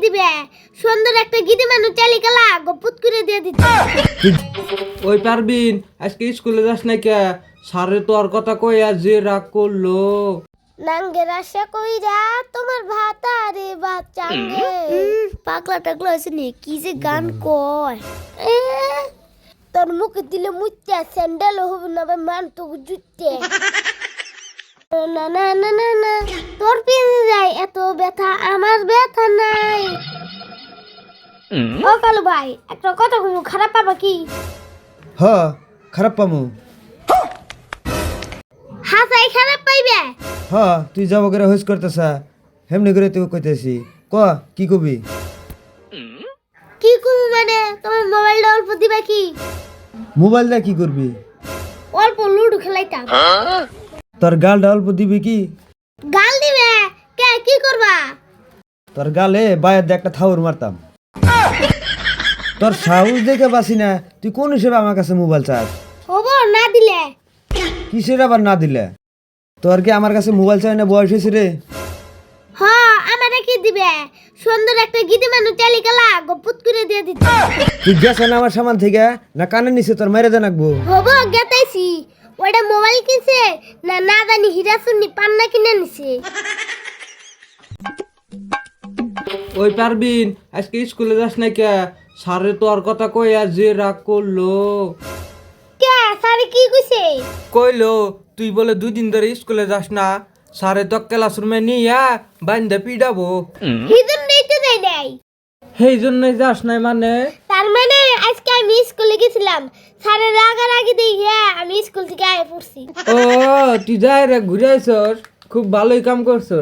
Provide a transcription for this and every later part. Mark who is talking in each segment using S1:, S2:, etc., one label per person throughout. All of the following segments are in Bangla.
S1: দিবে সুন্দর একটা গিদি মানুষ চালিকালা গপুত করে দিয়ে দিচ্ছে।
S2: ওই পারবিন আজকে স্কুলে যাস না কে? স্যারে তো আর কথা কইয়া যে রাগ করলো।
S1: নাঙ্গের আশা কইরা তোমার ভাতারে বাচ্চাঙ্গে পাগলা টাগলা হয়েছে নি কি যে গান কয় তোর মুখে দিলে মুইতে স্যান্ডেল হবে না মান তো জুতে না না না না না তোর পিছে যায় এত ব্যথা আমার ব্যথা নাই। ও কালু ভাই একটা কথা কইবো খারাপ পাবা কি?
S3: হ খারাপ পামু।
S1: হাসাই খারাপ পাইবে?
S3: হ তুই যাব করে হোস করতেছা হেমনি করে তুই কইতেছি ক কি কবি?
S1: কি কইবো মানে তোমার মোবাইলটা অল্প দিবা কি?
S3: মোবাইল দিয়ে কি করবি?
S1: অল্প লুডো খেলাইতাম।
S3: তোর গালটা অল্প দিবি কি?
S1: গাল দিবে কে কি করবা?
S3: তোর গালে বাইরে দিয়ে একটা থাউর মারতাম। তোর সাহস দেখে বাসি না তুই কোন হিসেবে আমার কাছে মোবাইল চাস?
S1: হবো না দিলে?
S3: কিসের আবার না দিলে? তোর কি আমার কাছে মোবাইল চাই না বয়স হয়েছে রে?
S1: হ আমারে কি দিবে সুন্দর একটা গিদি মানুষ চালিকালা গপুত করে দিয়ে দিচ্ছে।
S3: তুই গেছ না আমার সামান থেকে না কানে নিছে তোর মেরে জানাকবো।
S1: হবো গেতাইছি ওইটা মোবাইল কিনছে না না জানি হীরা সুন্নি পান্না কিনে নিছে।
S2: ওই পারবিন আজকে স্কুলে যাস না কে? স্যারে তো আর কথা কইয়া যে রাগ করলো।
S1: কে স্যার কি কইছে?
S2: কইলো তুই বলে 2 দিন ধরে স্কুলে যাস না, স্যারে তো ক্লাসরুমে নিয়া বাইন্দা পিডাবো।
S1: হিজন দিতে দেই নাই
S2: সেই জন্যই যাস নাই মানে?
S1: তার মানে আজকে আমি স্কুলে গেছিলাম স্যারের রাগারাগি দেখে আমি স্কুল থেকে আয় পড়ছি।
S2: ও তুই যাই রে ঘুরে আইসস, খুব ভালোই কাম করছস।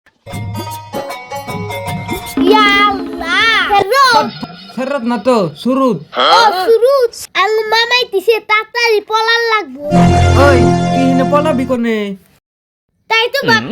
S1: ইয়া আল্লাহ ফেরত
S2: ফেরত না তো শুরুত।
S1: ও সুরুত আল মামাই দিছে তাড়াতাড়ি পলার লাগবো।
S2: ওই কি হিনে পলাবি কোনে?
S1: তাই তো বাপ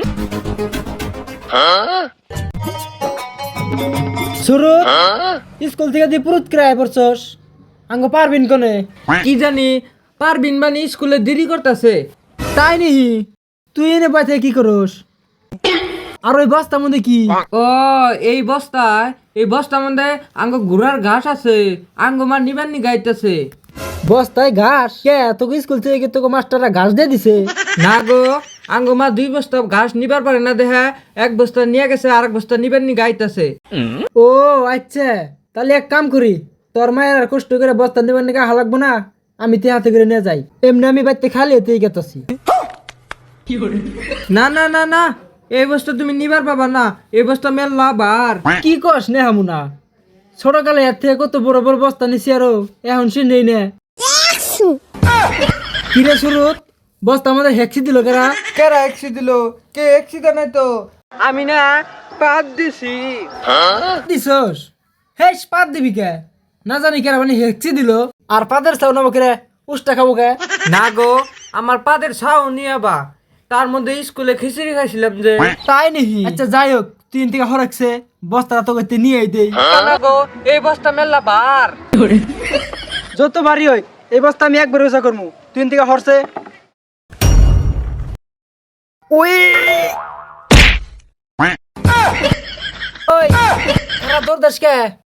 S4: শুরু স্কুল থেকে দি পুরুত ক্রায় পড়ছস আঙ্গ পারবিন কোনে?
S2: কি জানি পারবিন বানি স্কুলে দেরি করতেছে।
S4: তাই নিহি তুই এনে বাইতে কি করস? আর ওই বস্তার মধ্যে কি?
S2: ও এই বস্তার মধ্যে আঙ্গ ঘোড়ার ঘাস আছে, আঙ্গ মা নিবার নি গাইতেছে।
S4: বস্তায় ঘাস? কে তোকে স্কুল থেকে তোকে মাস্টাররা ঘাস দিয়ে দিছে?
S2: না গো, আঙ্গ মা 2 বস্তা ঘাস নিবার পারে না দেখা 1 বস্তা নিয়ে গেছে আর 1 বস্তা নিবার নি গাইতেছে।
S4: ও আচ্ছা, তাহলে এক কাম করি, তোর মায়ের আর কষ্ট করে বস্তা নেবার নাকি হালাকবো না, আমি তে হাতে করে নিয়ে যাই। এমনি আমি বাইতে খালি এতেই গেতাছি।
S2: না না না না, এই বস্তা তুমি নিবার পাবা না, এই বস্তা মেললা বার।
S4: কি কস নে হামুনা? ছোটকালে এর থেকে কত বড় বড় বস্তা নিছি আরো এখন সে নেই নে। কিরে শুরুত বস্তা আমাদের হেক্সি দিল কেরা?
S2: কেরা এক্সি দিল? কে এক্সি দেয় নাই তো, আমি না পাত দিছি।
S4: দিছস? হেস পাত দিবি কে? না জানি কেরা মানে হেক্সি দিল আর পাদের চাও নাবো কেরে উষ্টা খাবো কে?
S2: না গো, আমার পাদের ছাও নিয়ে বা, তার মধ্যে স্কুলে খিচুড়ি খাইছিলাম যে।
S4: তাই নাকি? আচ্ছা যাই হোক, 3 থেকে হরাকছে বস্তাটা তোকে নিয়ে আইতেই।
S2: না গো, এই বস্তা মেললা বার।
S4: যত বাড়ি হয় এই বস্তা আমি একবার উঁচা করবো। 3 থেকে হরছে ওই ওই তোরা দৌড় দাস কে?